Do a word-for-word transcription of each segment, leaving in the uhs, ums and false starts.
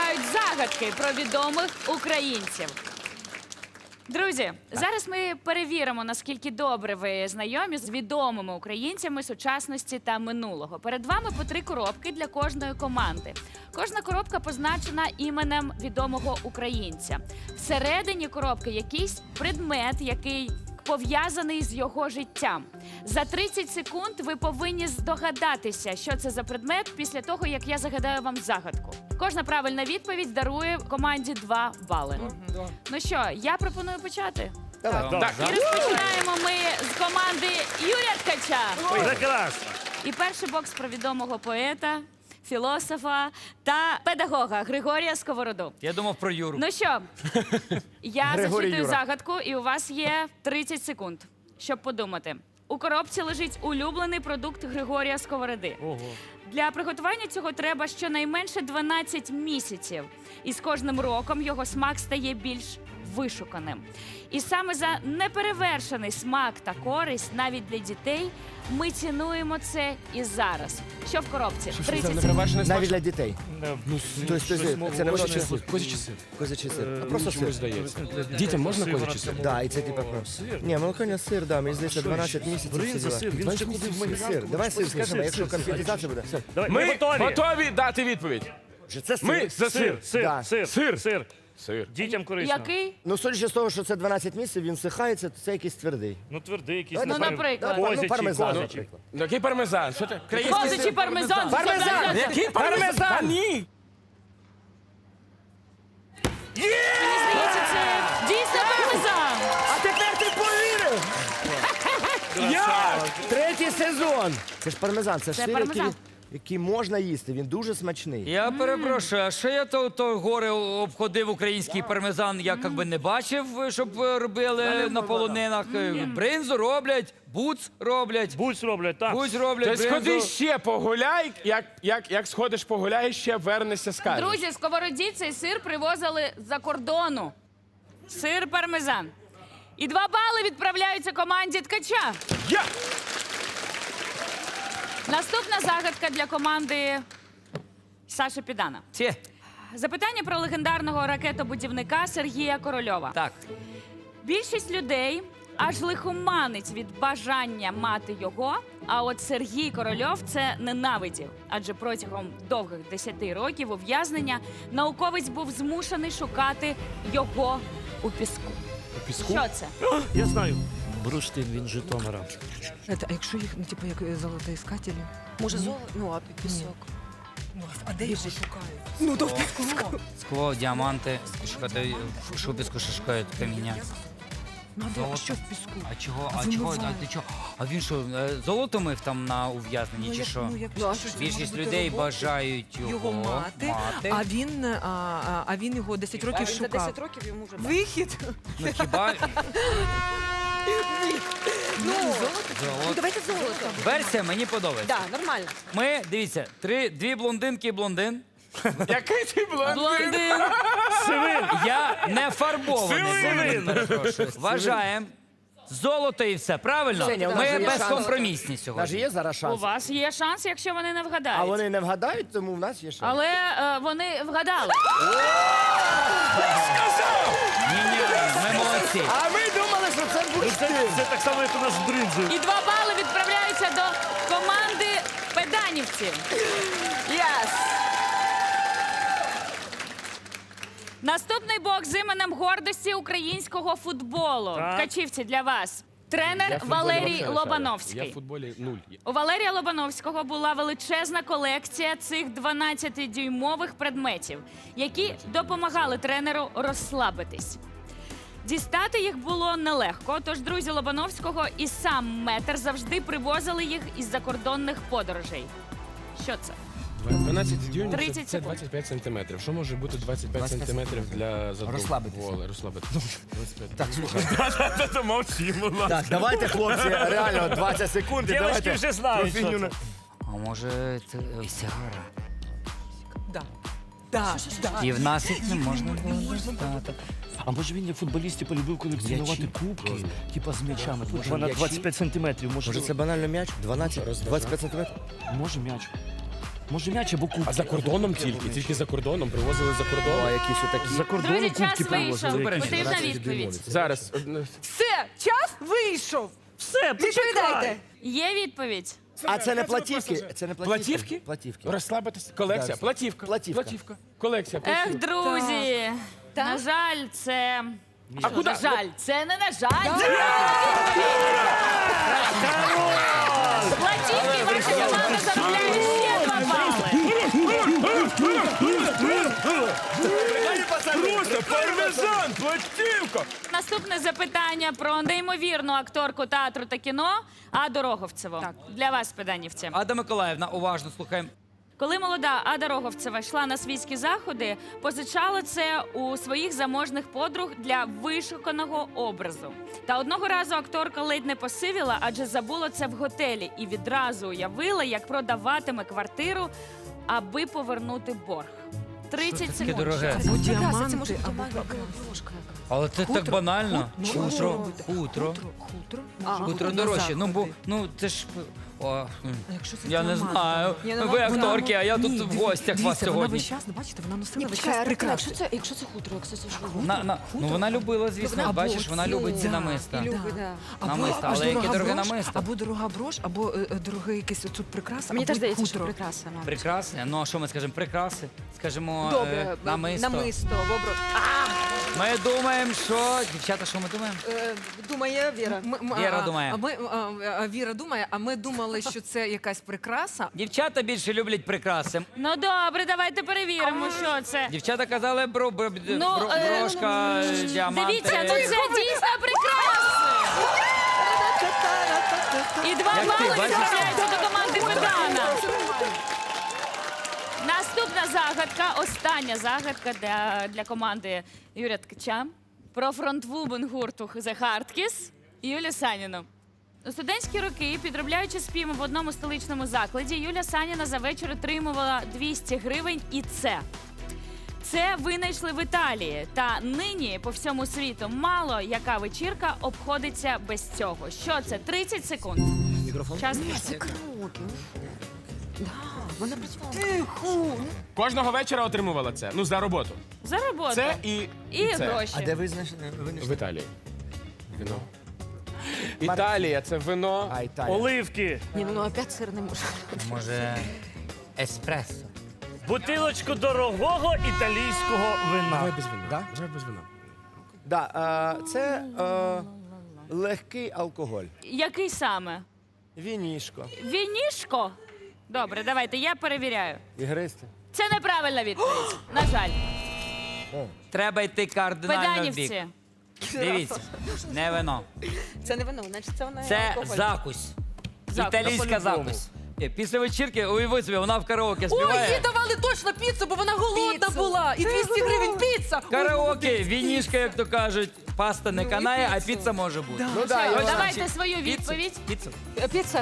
відгадають загадки про відомих українців. Друзі, зараз ми перевіримо, наскільки добре ви знайомі з відомими українцями сучасності та минулого. Перед вами по три коробки для кожної команди. Кожна коробка позначена іменем відомого українця. Всередині коробки якийсь предмет, який пов'язаний з його життям. За тридцять секунд ви повинні здогадатися, що це за предмет, після того, як я загадаю вам загадку. Кожна правильна відповідь дарує команді два бали. Ну що, я пропоную почати. Давай. Так. І розпочинаємо ми з команди Юрія Ткача. Прекрасно. І перший бокс про відомого поета, філософа та педагога Григорія Сковороду. Я думав про Юру. Ну що, я Григорій зачитую Юра. загадку, і у вас є тридцять секунд, щоб подумати. У коробці лежить улюблений продукт Григорія Сковороди. Ого. Для приготування цього треба щонайменше дванадцять місяців. І з кожним роком його смак стає більш вишуканим. І саме за неперевершений смак та користь навіть для дітей ми цінуємо це і зараз. Що в коробці? тридцять секунд. Навіть для дітей. Ну, Тобто, це не Козячий просто сир. Козячий сир. козячий сир. Е, А просто Чомусь сир. здається. Дітям можна козячий сир? Да, і це типа про. Ні, молоконя сир, да, мені здається, дванадцять місяців. Бринза, всі діла. сир, він ще ходив в магазин. Сир, давай сир скажемо, якщо конфетизація буде. Давай, Ми готові. готові дати відповідь. Вже це сир. Ми за Сир, сир. сир, Да. сир, Сир. сир. Сир. Дітям корисно. Який? Ну, судячи з того, що це дванадцять місяців, він всихається, то це якийсь твердий. Ну, твердий якийсь. Ну, напевно, наприклад. Ну, Козячий, пармезан, козячий. наприклад. Який пармезан? Що ти? Козячий пармезан. Пармезан! Який пармезан? Ні! Мені здається, це дійсно пармезан. А тепер ти повірив! Як? Третій сезон! Це ж пармезан, це ж Це сир, пармезан. який, який можна їсти, він дуже смачний. Я перепрошую, а що я то, то горе обходив український пармезан, я як би не бачив, щоб е, робили на полонинах. Е, Бринзу роблять, буц роблять, Буць роблять, так. буць роблять, Ти сходи бринзу. ще погуляй, як, як, як сходиш погуляй, ще вернешся, скажеш. Друзі, сковороді цей сир привозили з-за кордону. Сир пармезан. І два бали відправляються команді Ткача. Я! Наступна загадка для команди Саші Підана. Ті, Запитання про легендарного ракетобудівника Сергія Корольова. так. Більшість людей аж лихоманить від бажання мати його, а от Сергій Корольов це ненавидів. Адже протягом довгих десяти років ув'язнення науковець був змушений шукати його у піску. У піску? Що це? Я знаю. Бурштин, він з Житомира. Это, а якщо їх, ну, типу, як золотоіскателі? Може, золото? Ну, а пісок? А де їх шукають? Ну, то в піску. Скло, діаманти, шукати, що в піску ще шукають каміння. Ну, а, де, а Золото. що в піску? А чого, А а чого, вимивають. а ти чого? А він що, е, золото мив там на ув'язненні, чи як- що? ну, як- Ну, а що що це Більшість може бути людей робота? бажають його, Його мати, а він, а, а, а він його десять А років він за шукав. десять років йому вже... Вихід? Ну хіба Ну, Золото? ну, золото? давайте золото. Версія мені подобається. Да, нормально. Ми, дивіться, три, дві блондинки і блондин. Який ти блондин? Блондин. Я не фарбований блондин, перепрошую. Вважаємо. Золото і все, правильно? Женя, у нас же Ми є шанс. безкомпромісні У нас же сьогодні. є зараз У шанс. вас є шанс, якщо вони не вгадають. А вони не вгадають, тому в нас є шанс. Але е, вони вгадали. Ні-ні, ми молодці. А ми думали, що це Це, бурштин. це так само, як у нас з бринзою. І два бали відправляються до команди педанівців. Yes. Наступний бокс з іменем гордості українського футболу. Так. Ткачівці, для вас. Тренер Я в футболі Валерій вообще не шарю. Лобановський. Я в футболі нуль. У Валерія Лобановського була величезна колекція цих дванадцятидюймових предметів, які допомагали тренеру розслабитись. Дістати їх було нелегко, тож друзі Лобановського і сам метр завжди привозили їх із закордонних подорожей. Що це? дванадцять дюймів тридцять це, це секунд. двадцять п'ять сантиметрів. Що може бути двадцять п'ять сантиметрів для задуму? Розслабитися. Розслабитися. Так, слухай. Це мовчимо. Так, давайте, хлопці, реально двадцять секунд. і Дівчатки давайте вже знають, про фігню що на- це. А може це е, сигара? Да. Да, да. І в нас їх не можна було дістати. А може він як футболісти полюбив колекціонувати кубки, типа з м'ячами. Вона двадцять п'ять сантиметрів. Може, Може, це банально м'яч? дванадцять, двадцять п'ять сантиметрів? Може м'яч. Може м'яч або кубки. А за кордоном тільки, тільки за кордоном, привозили за О, кордоном. якісь отакі. За кордоном Друзі, час кубки вийшов. привозили. якісь. Потрібна відповідь. Зараз. одну- Все, час вийшов. Все, почекай. Відповідайте. Є відповідь? А це не платівки? Це не платівки? Платівки? Платівки. Розслабитися. Колекція. Да. Платівка. Платівка. Платівка. Колекція. Ех, платівка. друзі, на жаль, це... А куди? На жаль, це не на жаль. Платівки ваша команда заробляє ще два бали. Просто пармезан, платівка. Наступне запитання про неймовірну акторку театру та кіно Аду Роговцеву. Так. Для вас, педанівці. Ада Миколаївна, уважно слухаємо. Коли молода Ада Роговцева йшла на світські заходи, позичала це у своїх заможних подруг для вишуканого образу. Та одного разу акторка ледь не посивіла, адже забула це в готелі і відразу уявила, як продаватиме квартиру, аби повернути борг. тридцять таке секунд. дороге? Або Це діаманти, може бути або брошка. Але це так банально. Ну, Хутро, що робити? хутро. Хутро, хутро. А, Може Хутро бути на дорожче. Ну, бо, заходи. ну, це ж... О, м. А якщо це я не діамант? знаю. Ні, ну, Ви вона- акторки, а я тут Ні, в диві- гостях вас дивіться, Вона сьогодні. весь час, ну, бачите, вона носила Ні, весь почекай, час Артем, прикраси. якщо це, якщо це хутро, якщо це що? На, на, ну, вона любила, звісно, Або бачиш, вона ці- любить ці да, намиста. і любить, да. Або, Намиста, аж але яке дорога дороге брош, намисто? Або дорога брош, або е, е, дороге якесь оцю прикраса, Мені або теж здається, що хутро. прекрасно. мабуть. Прекрасне. Ну, а що ми скажемо? Прикраси? Скажемо, Добре, е, намисто. намисто, бобро. Ми думаємо, що... Дівчата, що ми думаємо? Е, Думає Віра. М- м- Віра а, думає. А ми, а, а, Віра думає, а ми думали, що це якась прикраса. Дівчата більше люблять прикраси. Ну добре, давайте перевіримо, що це. Дівчата казали бро, бро, Ну, бро, е, брошка, діаманти. Дивіться, ну це дійсно прикраси. І два Як ти, бали бачиш? відправляються до команди Педана. Наступна загадка, остання загадка для, для команди Юрія Ткача про фронтвумен гурту The Hardkiss Юлію Саніну. У студентські роки, підробляючи співом в одному столичному закладі, Юля Саніна за вечір отримувала двісті гривень і це. Це винайшли в Італії. Та нині по всьому світу мало яка вечірка обходиться без цього. Що це? тридцять секунд. Мікрофон? Час Це пішов. кроки. Да, вона працювала. Кожного вечора отримувала це. Ну, за роботу. За роботу. Це і, І це. гроші. А де ви знайшли? ви В знайшли? Італії. Вино. Італія, це вино. А, Італія. Оливки. Ні, ну опять сир не може. Може, еспресо. Бутилочку дорогого італійського Давай вина. без вина. Да? Давай без вина. Да, а, це а, легкий алкоголь. Який саме? Вінішко. Вінішко? Добре, давайте, я перевіряю. Ігристи. Це неправильна відповідь. На жаль. Треба йти кардинально в бік. Педанівці. Дивіться, не вино. Це не вино, значить це вона Це алкоголь. закусь. Закусь. Італійська закусь. Е, Після вечірки, уяви собі, вона в караоке Ой, їй співає. давали точно піцу, бо вона голодна Піцу. була. І двісті гривень піца. Караоке, вінішка, як то кажуть, паста не канає, а піцу. піца може бути. Ну да, я Давайте свою Піцу, відповідь. Піцу. Е, Піца.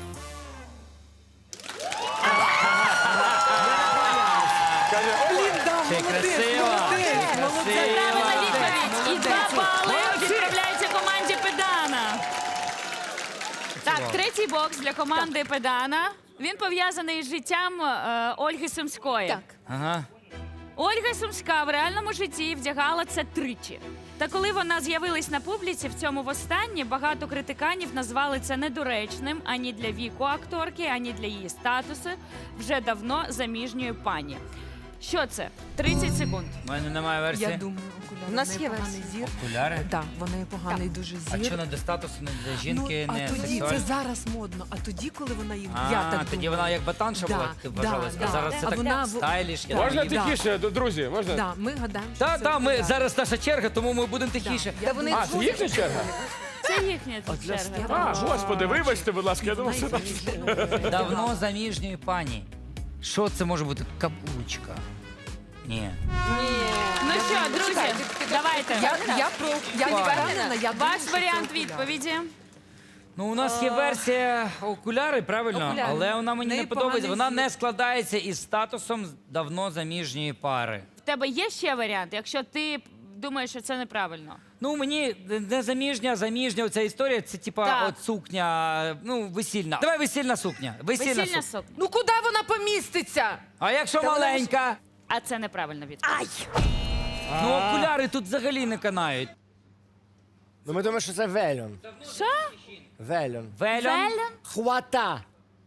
Ще й красива. Ще й Правильна красива. відповідь. І два бали відправляється команді Педана. Так, третій бокс для команди Педана. Він пов'язаний з життям е, Ольги Сумської. Так. Ага. Ольга Сумська в реальному житті вдягала це тричі. Та коли вона з'явилась на публіці в цьому востаннє, багато критиканів назвали це недоречним ані для віку акторки, ані для її статусу вже давно заміжньої пані. Що це? тридцять секунд. У мене немає Я версії. думаю, окуляри. У нас В неї є поганий версія. зір. Окуляри? Так, в неї поганий дуже А зір. що не для статусу, не для жінки, ну, не а тоді, сексуально? це зараз модно, а тоді, коли вона їх, А, я так тоді думаю. вона як батанша Да, була, ти да, вважалась, да. а зараз це А так вона в- стайліш. я Можна так її- тихіше, д- друзі? Можна? Да, ми гадаємо, що Та, це та, ми да. зараз наша черга, тому ми будемо тихіше. Я Та вони думаю, А, це їхня черга? Це їхня черга. А, господи, вибачте, будь ласка, я думав, вона це їх наш. зробила. Давно заміжньої пані. Що це може бути? Каблучка. Ні. Ну що, друзі, давайте. Я, я про я не Ладно. впевнена, я думаю, Ваш що це варіант окуляри. відповіді. Ну, у нас є версія окуляри, правильно? Окуляри. Але вона мені В неї не подобається. поганий Вона зір. не складається із статусом давно заміжньої пари. В тебе є ще варіант? Якщо ти думає, що це неправильно. Ну, мені не заміжня, заміжня ця історія, це типа Так. от сукня, ну, весільна. Давай весільна сукня. Весільна, Весільна сукня. сукня. Ну куди вона поміститься? А якщо маленька? А це неправильна відповідь. Ай! Ну, окуляри тут взагалі не канають. Ну ми думаємо, що це вельон. Що? Вельон. Вельон? Велен? Хвата.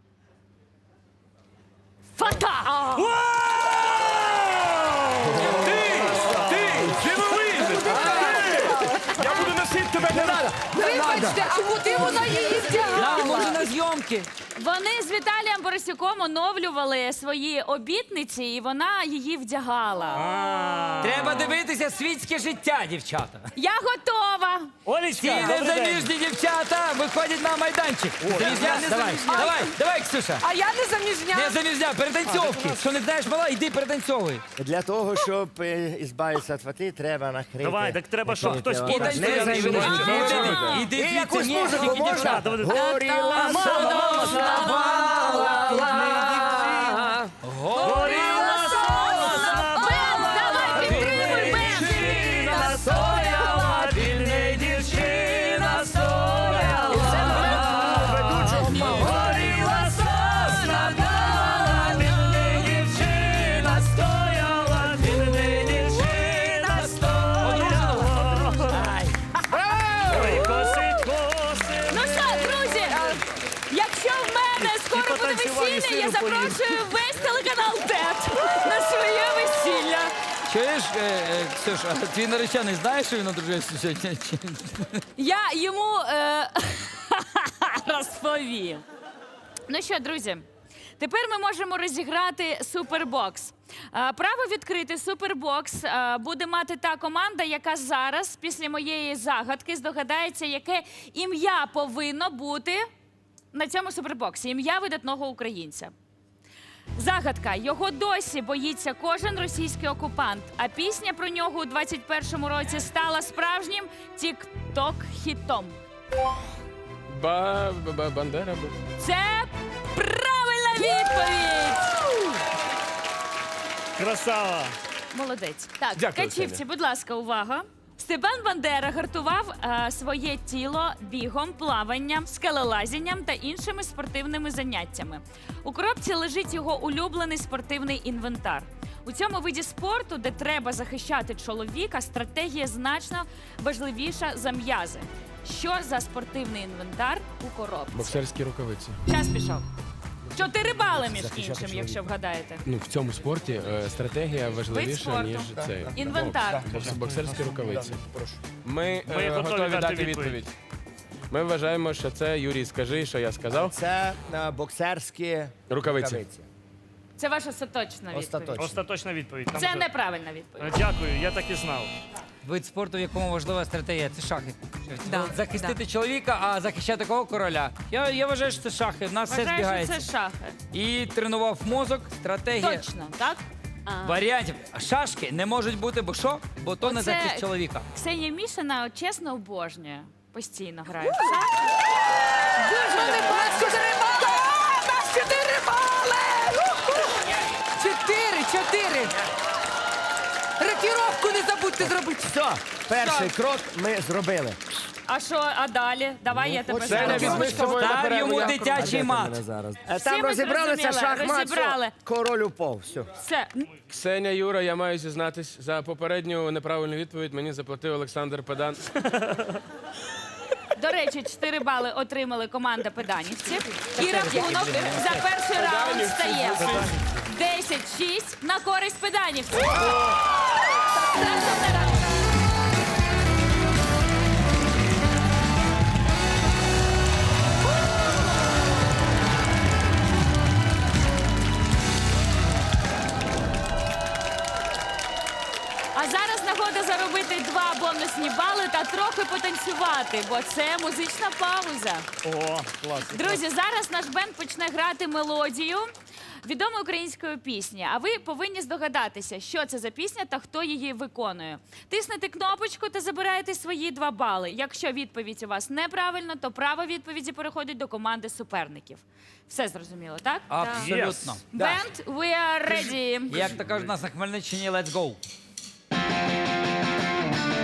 Фата! Ти! Дивовижний! Я буду носити тебе не надо! Вибачте, а куди вона її вдягала? Нам, може, на зйомки. Вони з Віталієм Борисюком оновлювали свої обітниці, і вона її вдягала. Треба дивитися світське життя, дівчата. Я готова! Ці Олечка, добрий день. незаміжні дівчата виходять на майданчик. Заміжня? Давай, давай, давай, Ксюша. А я не заміжня. Не заміжня, перетанцьовки. Що не знаєш, мала, йди перетанцьовуй. Для того, щоб е, ізбавитися від фати, треба накрити. Давай, так треба, щоб накрити хтось лаваш. поруч Не стояв і заміжні. вирішив. Іди І звідси, якусь ні, музику тільки можна? дівчата. Горіла Горіла сосна, Бен, давай, підтримуй, Бен! настояла, вільна дівчина стояла. Горіла сосна, вільна дівчина стояла, вільна дівчина стояла. Ой, косить, косить. Ну що, друзі, якщо в мене скоро буде потанцювали, весілля, я сиру поїли. запрошую весь телеканал ТЕТ на своє весілля. Чуєш, е, е, Ксюш, а твій наречений знає, що він одружився сьогодні? Чи- Я йому е... розповім. Ну що, друзі, тепер ми можемо розіграти супербокс. Е, Право відкрити супербокс е, буде мати та команда, яка зараз, після моєї загадки, здогадається, яке ім'я повинно бути на цьому супербоксі. Ім'я видатного українця. Загадка. Його досі боїться кожен російський окупант, а пісня про нього у двадцять першому році стала справжнім тік-ток-хітом. Ба, ба, ба- Бандера. бу- Це правильна відповідь! Красава. Молодець. Так, Дякую, качівці, Ксенія. будь ласка, увага. Степан Бандера гартував е, своє тіло бігом, плаванням, скелелазінням та іншими спортивними заняттями. У коробці лежить його улюблений спортивний інвентар. У цьому виді спорту, де треба захищати чоловіка, стратегія значно важливіша за м'язи. Що за спортивний інвентар у коробці? Боксерські рукавиці. Час пішов. Чотири бали, між іншим, якщо вгадаєте. Ну, в цьому спорті е, стратегія важливіша, спорту. ніж цей. Інвентар. Бокс. Боксерські рукавиці. Ми, Ми е, готові готові дати дати відповідь. відповідь. Ми вважаємо, що це, Юрій, скажи, що я сказав. Це е, боксерські Рукавиці. Це ваша остаточна відповідь. Остаточно. Остаточна відповідь. Там Це буде- неправильна відповідь. Е, Дякую, я так і знав. Вид спорту, в якому важлива стратегія, це шахи. Да, Захистити чоловіка, а захищати кого короля. Я, я вважаю, що це шахи. В нас все Вважаю, що збігається. це шахи. І тренував мозок, стратегія. Точно, так? Варіантів. Шашки не можуть бути, бо що? Бо то не Оце захист чоловіка. Ксенія Мішина от, чесно обожнює. Постійно грає. в шахи. Дуже люблю. Чотири бали! А, нас чотири бали! Чотири, чотири. Рокіровку не забудьте зробити. Все, перший крок ми зробили. А що, а далі? Давай я тебе оце Це не зараз. візьми з собою на Став перерву. йому я- дитячий мат. Е, Всі Там ми розібралися зрозуміли, шахмат, розібрали. все, король упав, все. Все. Ксеня, Юра, я маю зізнатись, за попередню неправильну відповідь мені заплатив Олександр Педан. До речі, чотири бали отримали команда педанівців. І рахунок за перший раунд стає десять шість на користь педанівців. Наступний раунд. А зараз нагода заробити два бонусні бали та трохи потанцювати, бо це музична пауза. О, клас. Друзі, зараз наш бенд почне грати мелодію відомої української пісні. А ви повинні здогадатися, що це за пісня та хто її виконує. Тиснете кнопочку та забираєте свої два бали. Якщо відповідь у вас неправильна, то право відповіді переходить до команди суперників. Все зрозуміло, так? Абсолютно. Бенд, we are ready. Як то кажуть у нас на Хмельниччині, let's go.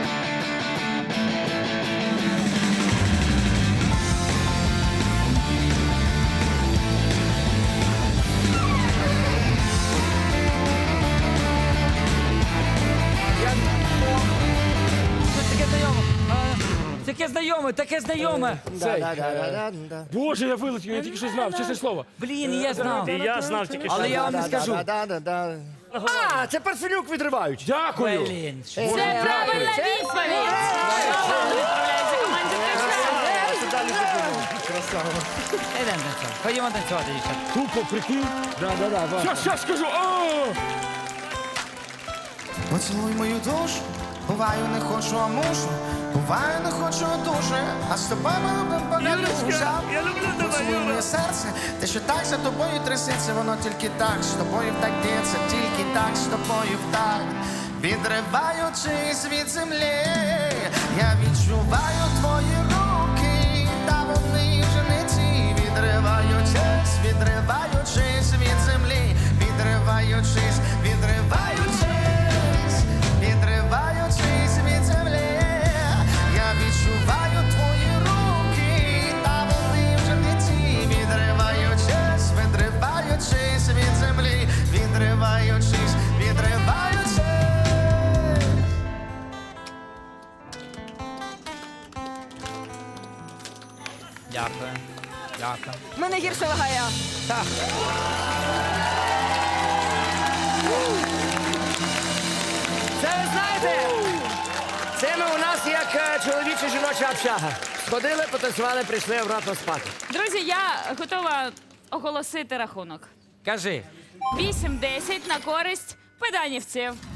знайоме, таке знайоме. Да, да, да, да, да, да. Боже, я вилетів, я тільки що знав, чесне слово. Блін, я знав. І я знав тільки що. Але я вам не Да, скажу. да, да, да, да. А, це парфенюк відривають. Дякую. Блін. Це правильна відповідь! Відправляється команді «Краса». Ідемо танцювати. Ходімо танцювати, дівчата. Тупо, прикинь. Да, да, да, да. Щас, щас скажу. О! Поцілуй мою душу, буваю не хочу, а мушу, буваю не хочу дуже, а з тобою ми любим поглянуся. Я люблю тебе, Поцілуй Юра. моє серце, те, що так за тобою трясеться, воно тільки так, з тобою так б'ється, тільки так, з тобою так. Відриваючись від землі, я відчуваю твої руки, та вони вже не ті. Відриваючись, відриваючись від землі, відриваючись, відриваючись. Відриваючись від землі, я відчуваю твої руки, та вони вже не ті. Відриваючись, відриваючись від землі, відриваючись, відриваючись. Дякую. Дякую. В мене гірше вагає. Це ви знаєте, це ми у нас як е, чоловіча жіноча общага. Сходили, потанцювали, прийшли обратно спати. Друзі, я готова оголосити рахунок. Кажи. вісім десять на користь педанівців.